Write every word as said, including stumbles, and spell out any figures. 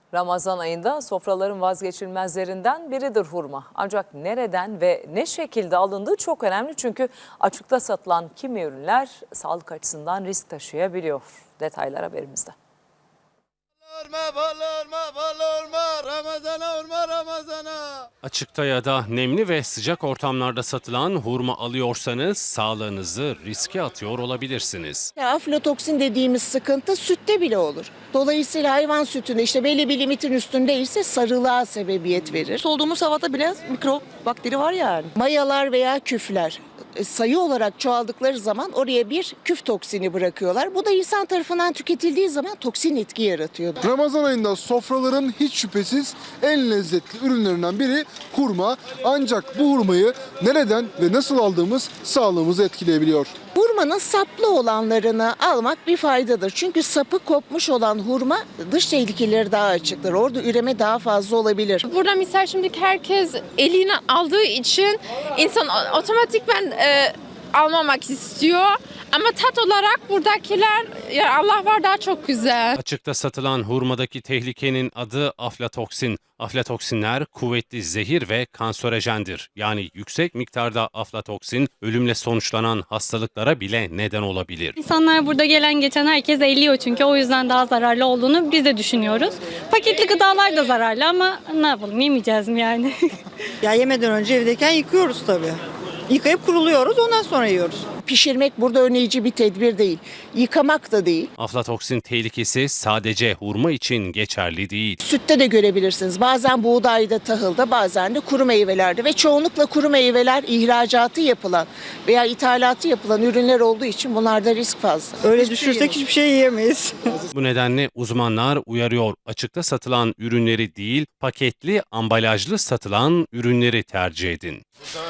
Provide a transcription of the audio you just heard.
Ramazan ayında sofraların vazgeçilmezlerinden biridir hurma. Ancak nereden ve ne şekilde alındığı çok önemli çünkü açıkta satılan kimi ürünler sağlık açısından risk taşıyabiliyor. Detaylar haberimizde. Açıkta ya da nemli ve sıcak ortamlarda satılan hurma alıyorsanız sağlığınızı riske atıyor olabilirsiniz. Ya, aflatoksin dediğimiz sıkıntı sütte bile olur. Dolayısıyla hayvan sütünde işte belli bir limitin üstündeyse sarılığa sebebiyet verir. Solduğumuz havada bile mikrop, bakteri var yani. Mayalar veya küfler e, sayı olarak çoğaldıkları zaman oraya bir küf toksini bırakıyorlar. Bu da insan tarafından tüketildiği zaman toksin etki yaratıyor. Ramazan ayında sofraların hiç şüphesiz en lezzetli ürünlerinden biri hurma. Ancak bu hurmayı nereden ve nasıl aldığımız sağlığımızı etkileyebiliyor. Hurmanın saplı olanlarını almak bir faydadır. Çünkü sapı kopmuş olan hurma dış tehlikeleri daha açıktır. Orada üreme daha fazla olabilir. Burada misal şimdi herkes eline aldığı için insan otomatikman e, almamak istiyor. Ama tat olarak buradakiler ya Allah var daha çok güzel. Açıkta satılan hurmadaki tehlikenin adı aflatoksin. Aflatoksinler kuvvetli zehir ve kanserojendir. Yani yüksek miktarda aflatoksin ölümle sonuçlanan hastalıklara bile neden olabilir. İnsanlar burada gelen geçen herkes eliyor çünkü o yüzden daha zararlı olduğunu biz de düşünüyoruz. Paketli gıdalar da zararlı ama ne yapalım, yemeyeceğiz mi yani? Ya yemeden önce evdeyken yıkıyoruz tabii. Yıkayıp kuruluyoruz, ondan sonra yiyoruz. Pişirmek burada önleyici bir tedbir değil. Yıkamak da değil. Aflatoksin tehlikesi sadece hurma için geçerli değil. Sütte de görebilirsiniz. Bazen buğdayda, tahılda, bazen de kuru meyvelerde ve çoğunlukla kuru meyveler ihracatı yapılan veya ithalatı yapılan ürünler olduğu için bunlarda risk fazla. Öyle Hiçbir şey düşünürsek hiçbir şey yiyemeyiz. Bu nedenle uzmanlar uyarıyor. Açıkta satılan ürünleri değil, paketli, ambalajlı satılan ürünleri tercih edin.